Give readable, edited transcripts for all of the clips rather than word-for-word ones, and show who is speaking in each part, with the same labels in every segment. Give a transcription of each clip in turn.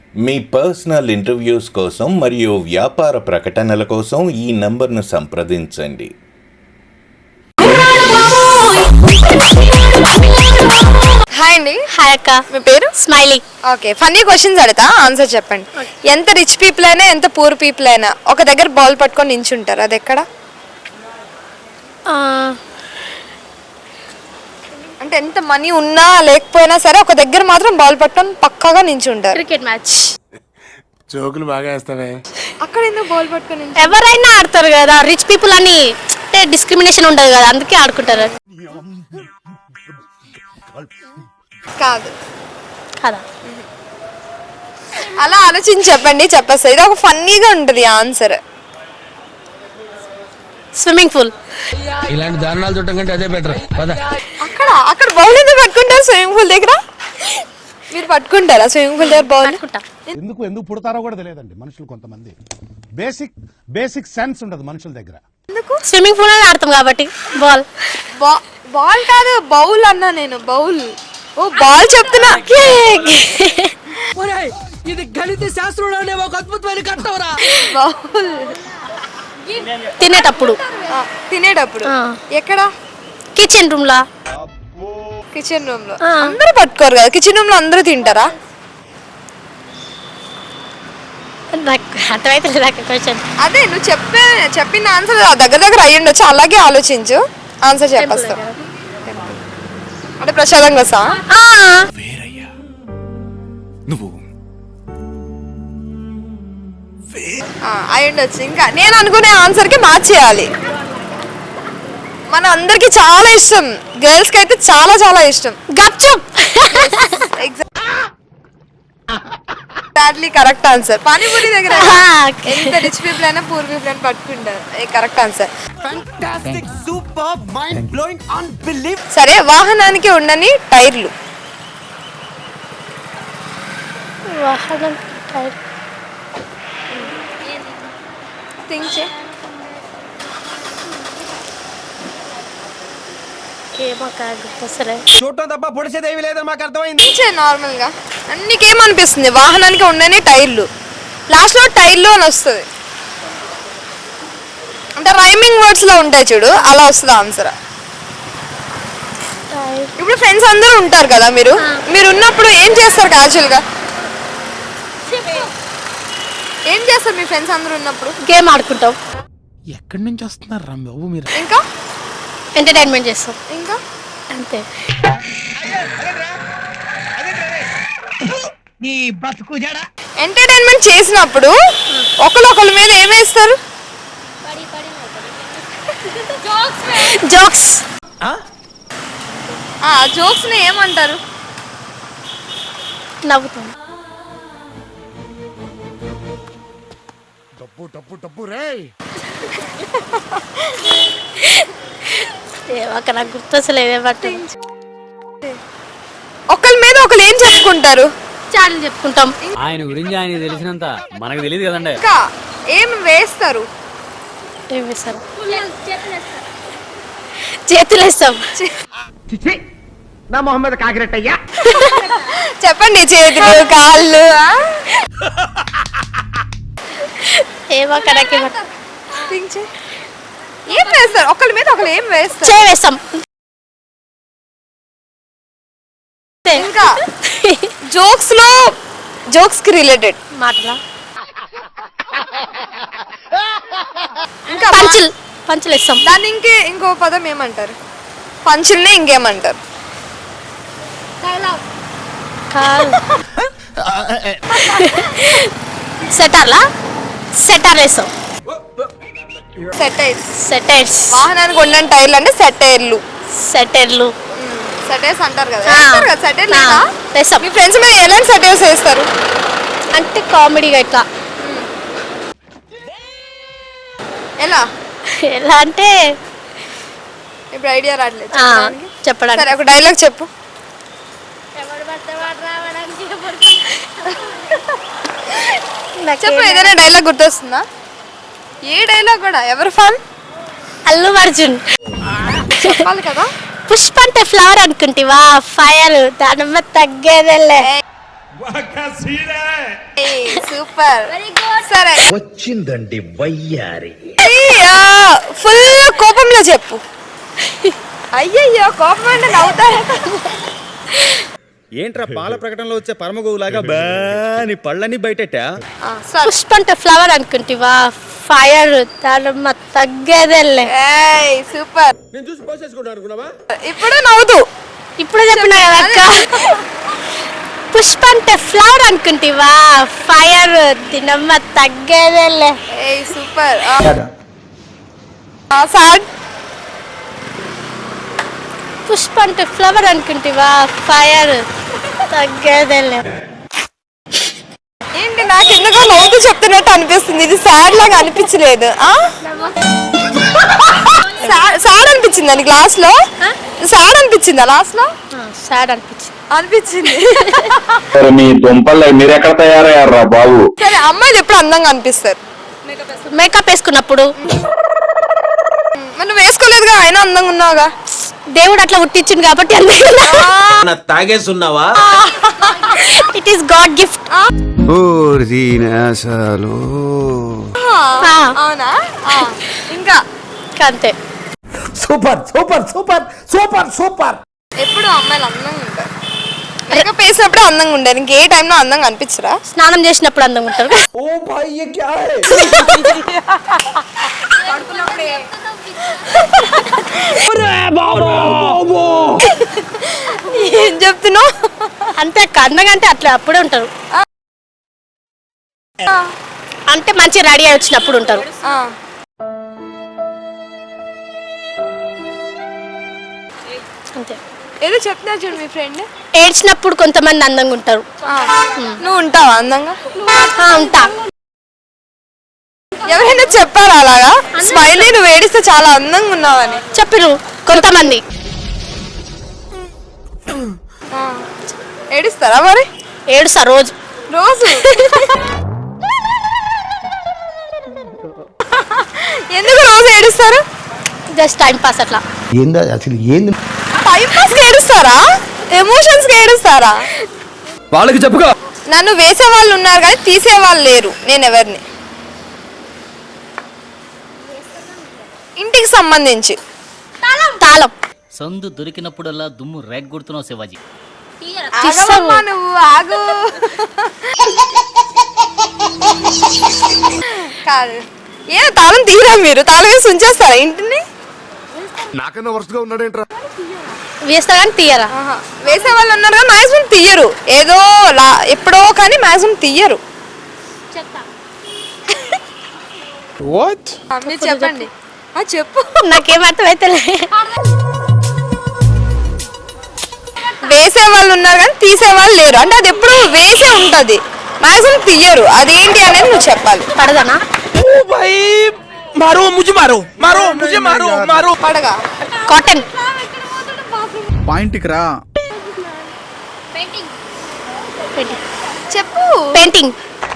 Speaker 1: మీ personal interviews కోసం మరియు వ్యాపార ప్రకటనల కోసం ఈ నంబర్ను సంప్రదించండి.
Speaker 2: హాయ్ అండి.
Speaker 3: హాయ్ అక్క.
Speaker 2: మీ పేరు?
Speaker 3: స్మైలీ.
Speaker 2: ఓకే, ఫన్నీ క్వశ్చన్స్ అడుగుతా, ఆన్సర్ చెప్పండి. ఎంత రిచ్ పీపుల్ అయినా ఎంత పూర్ పీపుల్ అయినా ఒక దగ్గర బాల్ పట్టుకొని నించుంటారు, అది ఎక్కడ? అంటే ఎంత మనీ ఉన్నా లేకపోయినా సరే ఒక దగ్గర మాత్రం బాల్ పట్టుకొని పక్కాగా నించుంటారు.
Speaker 3: Cricket match.
Speaker 4: జోకులు బాగా వేస్తావే.
Speaker 2: అక్కడ ఎందుకు బాల్ పట్టుకొని
Speaker 3: ఎవరైనా ఆడతారు కదా, రిచ్ పీపుల్ అని అంటే డిస్క్రిమినేషన్ ఉండదు కదా, అందుకే ఆడుకుంటారు.
Speaker 2: కాదు
Speaker 3: కదా,
Speaker 2: అలా ఆలోచించి చెప్పండి, చెప్పేస్తా. ఇది ఒక ఫన్నీగా ఉంటుంది ఆన్సర్.
Speaker 3: Swimming pool.
Speaker 4: ఇలాంటి దారుణాలు చూడటం కంటే అదే బెటర్.
Speaker 2: అక్కడ బౌల్ ఎందుకు పట్టుకుంటారు స్విమ్మింగ్ పూల్ దగ్గర? మీరు పట్టుకుంటారా స్విమ్మింగ్ పూల్ దగ్గర బౌల్?
Speaker 5: ఎందుకు పుడతారో కూడా తెలియదండి మనుషులు. కొంతమంది బేసిక్ సెన్స్ ఉండదు మనుషుల దగ్గర.
Speaker 3: స్విమ్మింగ్ పూల్ అని ఆడతాం కాబట్టి బాల్.
Speaker 2: బాల్ కాదు, బౌల్ అన్నా నేను. బౌల్. ఓ బాల్ చెప్తున్నా.
Speaker 6: ఇది గణిత శాస్త్రంలోనే ఒక అద్భుతమైన కట్టవరా.
Speaker 2: బౌల్
Speaker 3: తినేటప్పుడు.
Speaker 2: తినేటప్పుడు ఎక్కడ?
Speaker 3: కిచెన్ రూమ్ లా.
Speaker 2: కిచెన్ రూమ్ లో అందరూ పట్టుకోరు కదా. కిచెన్ రూమ్ లో అందరూ తింటారా?
Speaker 3: నాకు అర్థమైతే లేదు క్వశ్చన్.
Speaker 2: అదే నువ్వు చెప్పిన ఆన్సర్ దగ్గర అయ్యి ఉండొచ్చు, అలాగే ఆలోచించు, ఆన్సర్ చెప్పేస్తా. అంటే ప్రసాదంగా వస్తా అయి ఉండొచ్చు. ఇంకా నేను అనుకునే ఆన్సర్కి మ్యాచ్ చేయాలి. మన అందరికి చాలా ఇష్టం, గర్ల్స్ కి అయితే చాలా చాలా ఇష్టం.
Speaker 3: గప్చుప్.
Speaker 2: Exactly correct answer. పానీపూరి దగ్గర ఎంత రిచ్ పీపుల్ అయినా పూర్ పీపుల్ అని పట్టుకుంటారు. Correct answer.
Speaker 6: Fantastic, super, mind blowing, unbelieve.
Speaker 2: సరే, వాహనానికి ఉండని టైర్లు.
Speaker 3: వాహనం టైర్.
Speaker 2: థింక్ చే.
Speaker 6: చూడటం తప్ప పొడిచేదేవి లేదని మాకు అర్థమైంది.
Speaker 2: నార్మల్ గా నీకేమనిపిస్తుంది? వాహనానికి ఉండని టైర్లు, లాస్ట్ లో టైర్లు అని వస్తుంది. అంటే రైమింగ్ వర్డ్స్ లో ఉంటాయి చూడు, అలా వస్తుంది ఆన్సర్. ఇప్పుడు ఫ్రెండ్స్ అందరూ ఉంటారు కదా, మీరు ఉన్నప్పుడు ఏం చేస్తారు క్యాజువల్ గా? ఏం చేస్తారు మీ ఫ్రెండ్స్ అందరూ ఉన్నప్పుడు?
Speaker 3: గేమ్ ఆడుకుంటాం.
Speaker 4: ఎక్కడి నుంచి వస్తున్నారు రా బాబు మీరు?
Speaker 2: ఇంకా
Speaker 3: ఎంటర్టైన్మెంట్ చేస్తాం.
Speaker 2: ఇంకా
Speaker 3: అంతే.
Speaker 2: ఎంటర్టైన్మెంట్ చేసినప్పుడు ఒకళ్ళ మీద ఏమేస్తారు?
Speaker 3: జోక్స్.
Speaker 2: జోక్స్ ని ఏమంటారు?
Speaker 3: నవ్వుతాం.
Speaker 5: డబ్బు రేయ్.
Speaker 3: అక్కడ నాకు గుర్తొస్తలేదు.
Speaker 2: ఒకళ్ళ మీద ఒకళ్ళు ఏం చెప్పుకుంటారు?
Speaker 3: చాడీలు చెప్పుకుంటాం.
Speaker 7: ఆయన గురించి ఆయన తెలిసినంత మనకు తెలియదు కదండి.
Speaker 2: ఇంకా ఏం వేస్తారు?
Speaker 3: ఏం వేస్తారు? చేతులు వేస్తాం.
Speaker 6: నా మొహమ్మద్ కాకిరెట్టయ్యా.
Speaker 2: చెప్పండి. చేతులు, కాళ్ళు.
Speaker 3: ఏమో కడకి
Speaker 2: ఏం వేస్తారు? ఒకళ్ళ మీద ఒకళ్ళు ఏం వేస్తారు?
Speaker 3: చేస్తాం.
Speaker 2: ఇంకా జోక్స్ కి రిలేటెడ్
Speaker 3: మాటలా.
Speaker 2: ఇంకా
Speaker 3: పంచులు వేస్తాం.
Speaker 2: దాన్ని ఇంకో పదం ఏమంటారు? పంచుల్ని ఇంకేమంటారు?
Speaker 3: సెటర్ వేస్తాం. సెటైర్స్.
Speaker 2: వాహనానికి ఉండని టైర్లు అంటే సెటైర్లు.
Speaker 3: సెటైర్స్
Speaker 2: అంటారు కదా. సెటైర్
Speaker 3: వేస్తాం.
Speaker 2: మీ ఫ్రెండ్స్ మీద ఎలాంటి సెటైర్స్ వేస్తారు?
Speaker 3: అంటే కామెడీగా ఇట్లా. ఎలా అంటే
Speaker 2: ఇప్పుడు ఐడియా రావట్లేదు
Speaker 3: చెప్పడానికి.
Speaker 2: సరే, ఒక డైలాగ్ చెప్పు. చెప్పు, ఏదైనా డైలాగ్ గుర్తొస్తుందా? ఏ డైలాగ్ కూడా? ఎవరు ఫ్యాన్?
Speaker 3: అల్లు అర్జున్.
Speaker 2: చెప్పాలి కదా.
Speaker 3: పుష్ప అంటే ఫ్లవర్ అనుకుంటివా? ఫైర్ దానమ్మ తగ్గేదేలే.
Speaker 2: సూపర్. సరే
Speaker 6: వచ్చిందండి వయ్యారి.
Speaker 2: ఫుల్ కోపంలో చెప్పు. అయ్యయ్యో కోపం అంటే నవ్వుతారు.
Speaker 8: ఏంట్రా పాల ప్రకటనలో వచ్చే పరమగోవులాగా బాని పళ్ళని బయటెట్టా?
Speaker 3: పుష్ప అంటే ఫ్లవర్ అనుకుంటివా, ఫైర్ దాని తగ్గేదేలే.
Speaker 2: సూపర్.
Speaker 4: నేను చూసి పోసేసుకుంటా అనుకున్నావా?
Speaker 2: ఇప్పుడు నవ్వుతూ.
Speaker 3: ఇప్పుడు చెప్పినా కదా అక్క. పుష్ప అంటే ఫ్లవర్ అనుకుంటివా, ఫైర్ దినమ్మ తగ్గేదేలే.
Speaker 2: సూపర్. సాడ్.
Speaker 3: పుష్ప అంటే ఫ్లవర్ అనుకుంటివా, ఫైర్ తగ్గేదేలే.
Speaker 2: ఏంటి నాకు ఎందుకో నవ్వుతూ చెప్తున్నట్టు అనిపిస్తుంది, ఇది సాడ్ లాగా అనిపించలేదు. సాడ్ అనిపించింది అని క్లాస్ లో, సాడ్ అనిపించిందా లాస్ట్ లో?
Speaker 3: సాడ్ అనిపించింది.
Speaker 9: మీ దుంపల్లో మీరు ఎక్కడ తయారయ్యారా బాబు?
Speaker 2: సరే అమ్మాయిలు ఎప్పుడు అందంగా అనిపిస్తారు?
Speaker 3: మేకప్ వేసుకున్నప్పుడు.
Speaker 2: మనం వేసుకోలేదుగా, అయినా అందంగా ఉన్నావుగా.
Speaker 3: దేవుడు అట్లా పుట్టించింది కాబట్టి అందంగా.
Speaker 6: తాగేసున్నావా?
Speaker 3: It is God gift.
Speaker 2: అవునా? ఇంకా
Speaker 3: అంతే.
Speaker 6: Super super super super super.
Speaker 2: ఎప్పుడు అమ్మాయిలు అందంగా ఉంటారు. మేకప్ వేసినప్పుడే అందంగా ఉంటారు, ఇంకే టైంలో అందంగా అనిపించరా?
Speaker 3: స్నానం చేసినప్పుడు అందంగా ఉంటారు.
Speaker 6: ఓ భాయ్ ये क्या है?
Speaker 2: ఏం చెప్తున్నావు?
Speaker 3: అంతే అందంగా అంటే అట్లా అప్పుడే ఉంటారు. అంటే మంచి రెడీ అయి వచ్చినప్పుడు ఉంటారు. అంతే.
Speaker 2: ఏదో చెప్తున్నా చూడు మీ ఫ్రెండ్.
Speaker 3: ఏడ్చినప్పుడు కొంతమంది అందంగా ఉంటారు.
Speaker 2: నువ్వు ఉంటావా అందంగా?
Speaker 3: ఉంటా.
Speaker 2: ఎవరైనా చెప్పారా అలాగా? స్మైలీ నువ్వు ఏడిస్తే చాలా అందంగా ఉన్నావని
Speaker 3: చెప్పిరు కొంతమంది.
Speaker 2: ఏడుస్తారా మరి?
Speaker 3: ఏడుస్తా రోజు.
Speaker 2: ఎందుకు రోజు ఏడుస్తారు?
Speaker 3: జస్ట్ టైం పాస్ అట్లా.
Speaker 6: ఏందా అసలు ఏంది?
Speaker 2: టైం పాస్ కి ఏడుస్తారా? ఎమోషన్స్ కి ఏడుస్తారా?
Speaker 8: వాళ్ళకి చెప్పుకో.
Speaker 2: నన్ను వేసే వాళ్ళు ఉన్నారు కానీ తీసే వాళ్ళు లేరు. నేను ఎవరిని? ఇంటికి సంబంధించి
Speaker 3: తాళం.
Speaker 7: సందు దొరికినప్పుడల్లా దుమ్ము రేగ్గొడుతున్నావు శివాజీ.
Speaker 2: ఆగమ్మా నువ్వు, ఆగు. కాదు, ఏ తాళం తీయరా మీరు? తాళం వేసి ఉంచేస్తారా ఇంటిని?
Speaker 5: నాకన్నా వరుసగా ఉన్నాడేంట్రా?
Speaker 3: వేస్తా కానీ తీయరా?
Speaker 2: వేసే వాళ్ళు ఉన్నారు కానీ మ్యాక్సిమం తీయరు. ఏదో ఎప్పుడో కానీ మ్యాక్సిమం తీయరు. మీరు చెప్పండి. చెప్పు.
Speaker 3: నాకేం అర్థమైతే.
Speaker 2: వేసే వాళ్ళు ఉన్నారు కానీ తీసే వాళ్ళు లేరు. అంటే అది ఎప్పుడు వేసే ఉంటది, మ్యాక్సిమం తీయరు. అదేంటి అనేది నువ్వు చెప్పాలి.
Speaker 3: పడదనా?
Speaker 2: పడగా.
Speaker 3: కాటన్.
Speaker 8: పాయింట్కి రా.
Speaker 2: చెప్పు.
Speaker 3: పెయింటింగ్.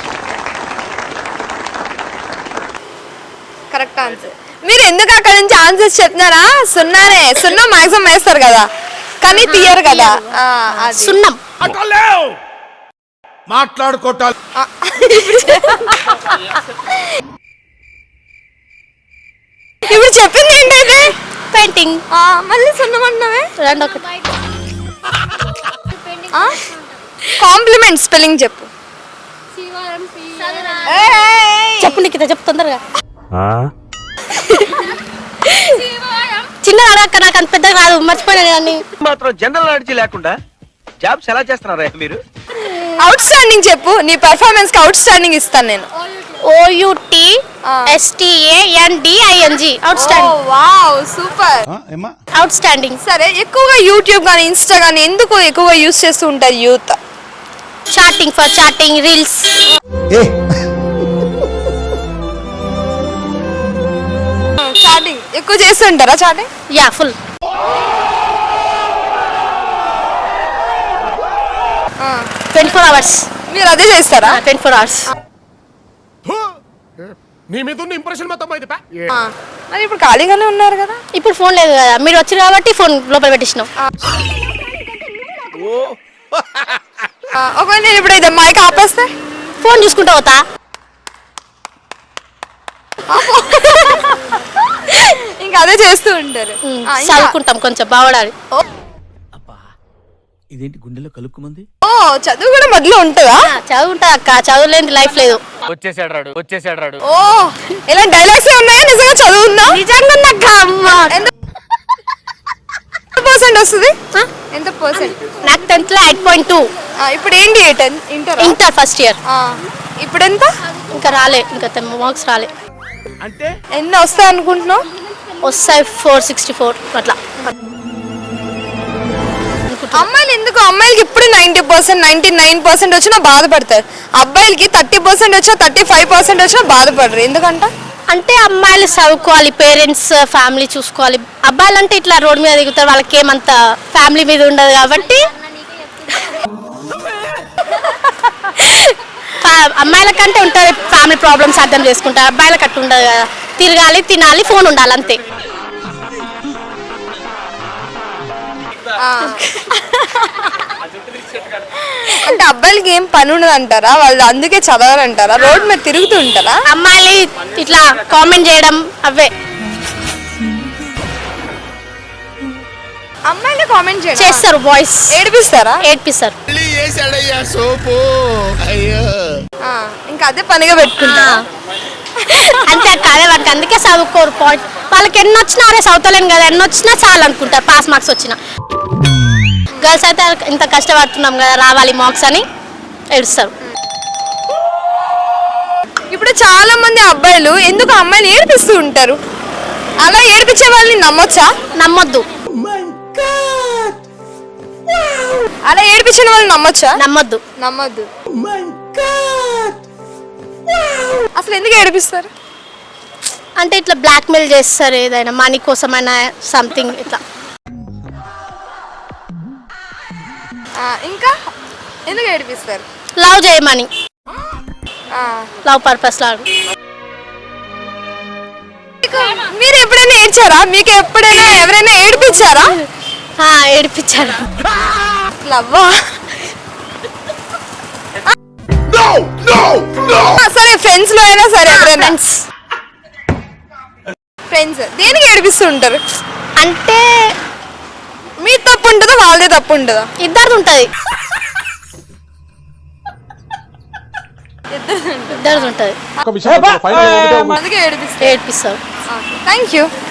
Speaker 2: Correct answer. మీరు ఎందుకు అక్కడ నుంచి ఆన్సర్స్ చెప్తున్నారా? సున్నానే. సున్నా మ్యాక్సిమం వేస్తారు కదా కానీ తీయరు కదా.
Speaker 3: సున్నం.
Speaker 5: మాట్లాడుకోటాలి.
Speaker 2: ఇప్పుడు చెప్పింది ఏంటంటే
Speaker 3: పెయింటింగ్.
Speaker 2: మళ్ళీ సున్నం అన్నవే.
Speaker 3: రెండు ఒకటి.
Speaker 2: కాంప్లిమెంట్ స్పెల్లింగ్ చెప్పు.
Speaker 3: చెప్పు నిఖిత, చెప్పు తొందరగా. చిన్న అడగక్క, నాకు అంత పెద్ద కాదు, మర్చిపోయినా కానీ.
Speaker 6: మాత్రం జనరల్ నాలెడ్జ్ లేకుండా జాబ్స్ ఎలా చేస్తున్నారా మీరు?
Speaker 2: అవుట్ స్టాండింగ్ చెప్పు. నీ పెర్ఫార్మెన్స్ కి అవుట్ స్టాండింగ్ ఇస్తాను నేను.
Speaker 3: OUTSTANDING. Outstanding.
Speaker 2: Wow super.
Speaker 3: Outstanding.
Speaker 2: సరే, ఎక్కువగా యూట్యూబ్ కానీ ఇన్స్టా కానీ ఎందుకు ఎక్కువగా యూస్ చేస్తూ ఉంటారు youth?
Speaker 3: Chatting, for chatting, reels.
Speaker 2: Chatting ఎక్కువ చేస్తుంటారా? Chatting
Speaker 3: yeah, full.
Speaker 2: ఆ
Speaker 3: 24 hours.
Speaker 2: మీరు అదే చేస్తారా?
Speaker 3: 24 hours.
Speaker 5: నీ మీద ఉన్న ఇంప్రెషన్ మొత్తం పోయింది.
Speaker 2: మరి ఇప్పుడు ఖాళీగానే ఉన్నారు కదా.
Speaker 3: ఇప్పుడు ఫోన్ లేదు కదా, మీరు వచ్చారు కాబట్టి ఫోన్ లోపల పెట్టించినాం.
Speaker 2: ఒకవేళ నేను ఇప్పుడు ఇది మైక్ ఆపేస్తే
Speaker 3: ఫోన్ చూసుకుంటూ పోతా.
Speaker 2: ఇంకా అదే చేస్తూ ఉంటారు.
Speaker 3: చదువుకుంటాం కొంచెం బావడాలి.
Speaker 6: ఇదేంటి గుండెలో కలుక్కుమంది?
Speaker 2: ఓ చదువు కూడా మొదలు ఉంటుందా?
Speaker 3: చదువుంటా అక్క, చదువులేని లైఫ్ లేదు.
Speaker 8: వచ్చేసాడు రాడు.
Speaker 2: ఓ ఇలా డైలాగ్స్ ఉన్నాయా? నిజంగా చదువు ఉందా?
Speaker 3: నిజంగా అక్క.
Speaker 2: ఎంత పర్సెంట్ వస్తుంది? ఎంత పర్సెంట్?
Speaker 3: నాకు 10th లో 8.2.
Speaker 2: ఇప్పుడు ఏంటి ఇంటర్?
Speaker 3: Inter first year.
Speaker 2: ఇప్పుడు ఎంత?
Speaker 3: ఇంకా రాలే, ఇంకా మార్క్స్ రాలే.
Speaker 6: అంటే
Speaker 2: ఎన్ని వస్తాయి అనుకుంటున్నావు?
Speaker 3: వస్తాయి 464 అట్లా.
Speaker 2: అమ్మాయిలు ఎందుకు, అమ్మాయిలకి ఇప్పుడు 90% 99% వచ్చినా బాధపడతారు. అబ్బాయిలకి 30% వచ్చినా 35% వచ్చినా బాధపడరు. ఎందుకంట?
Speaker 3: అంటే అమ్మాయిలు చదువుకోవాలి, పేరెంట్స్ ఫ్యామిలీ చూసుకోవాలి. అబ్బాయిలు అంటే ఇట్లా రోడ్ మీద దిగుతారు, వాళ్ళకి ఏమంత ఫ్యామిలీ మీద ఉండదు కాబట్టి అమ్మాయిల కంటే ఉంటుంది ఫ్యామిలీ ప్రాబ్లమ్స్ అర్థం చేసుకుంటారు. అబ్బాయిలకు అట్లా ఉండదు కదా, తిరగాలి, తినాలి, ఫోన్ ఉండాలి అంతే.
Speaker 2: అంటే అబ్బాయిలకి ఏం పని ఉండదు అంటారా? వాళ్ళు అందుకే చదవాలంటారా? రోడ్ మీద తిరుగుతూ ఉంటారా?
Speaker 3: అమ్మాయిలు ఇట్లా కామెంట్ చేయడం అవే
Speaker 2: అమ్మాయిలే కామెంట్
Speaker 3: చేస్తారు, బాయ్స్
Speaker 2: ఏడిపిస్తారా?
Speaker 3: ఏడ్పిస్తారు.
Speaker 2: ఇంకా అదే పనిగా పెట్టుకుంటా.
Speaker 3: అంతే కాదే, వాళ్ళకి అందుకే చదువుకోరు. పాయింట్ వాళ్ళకి ఎన్ని వచ్చినా అరే చదువుతలేను కదా, ఎన్ని వచ్చినా చాలు అనుకుంటారు. పాస్ మార్క్స్ వచ్చినా. గర్ల్స్ అయితే ఇంత కష్టపడుతున్నాం కదా, రావాలి మార్క్స్ అని ఏడుస్తారు.
Speaker 2: ఇప్పుడు చాలా మంది అబ్బాయిలు ఎందుకు అమ్మాయిలు ఏడిపిస్తూ ఉంటారు? అలా ఏడిపించే వాళ్ళని నమ్మొచ్చా?
Speaker 3: నమ్మొద్దు.
Speaker 2: అలా ఏడిపించిన వాళ్ళని నమ్మొచ్చా?
Speaker 3: నమ్మొద్దు.
Speaker 2: నమ్మొద్దు. అసలు ఎందుకు ఏడిపిస్తారు?
Speaker 3: అంటే ఇట్లా బ్లాక్మెయిల్ చేస్తారు, ఏదైనా మనీ కోసమైనా సంథింగ్ ఇట్లా.
Speaker 2: ఇంకా ఎందుకు ఏడిపిస్తారు?
Speaker 3: లవ్ చేయమని, లవ్ పర్పస్ లాగా.
Speaker 2: మీరు ఎప్పుడైనా ఏడ్చారా? మీకు ఎప్పుడైనా ఎవరైనా ఏడిపించారా?
Speaker 3: ఏడిపించారు.
Speaker 2: లవ్వా? సరే ఫ్రెండ్స్ లో అయినా సరే, ఎవరైనా ఫ్రెండ్స్ దేనికి ఏడిపిస్తూ ఉంటారు?
Speaker 3: అంటే
Speaker 2: మీ తప్పు ఉంటుందా, వాళ్ళదే తప్పు ఉంటుందా?
Speaker 3: ఇద్దరిది ఉంటుంది.
Speaker 2: ఇద్దరిది ఉంటుంది.
Speaker 3: అందుకే ఏడిపిస్తారు.
Speaker 2: Thank you.